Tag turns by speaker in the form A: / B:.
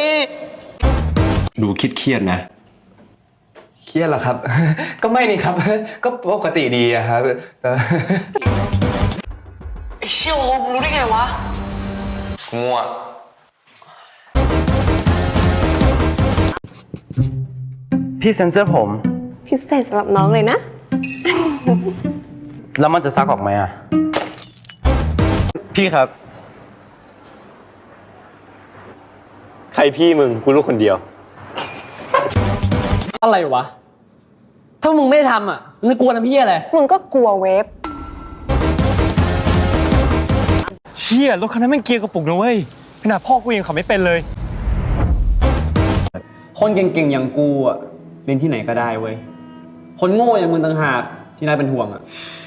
A: ดูเครียดนะ
B: เครียดเหรอครับ ก็ไม่นี่ครับ ก็ปกติดีอะครับแต่
C: ไอ้เชี่ยวโอมรู้ได้ไงวะ
B: งัวพี่เซ็นเซอร์ผม
D: พิเศษสำหรับน้องเลยนะ
B: แล้วมันจะซักออกไหมอะพี่ครับใครพี่มึงกูรู้คนเดียว
C: อะไรวะถ้ามึงไม่ทำอ่ะมึงกลัวทำเหี้ยอะไร
D: มึงก็กลัวเวฟ
E: เชี่ยรถคันนั้นแม่งเกียร์กระปุกนะเว้ยขนาดพ่อกูยังขับไม่เป็นเลย
C: คนเก่งๆอย่างกูอ่ะเรียนที่ไหนก็ได้เว้ยคนโง่อย่างมึงต่างหากที่น่าเป็นห่วงอ่ะ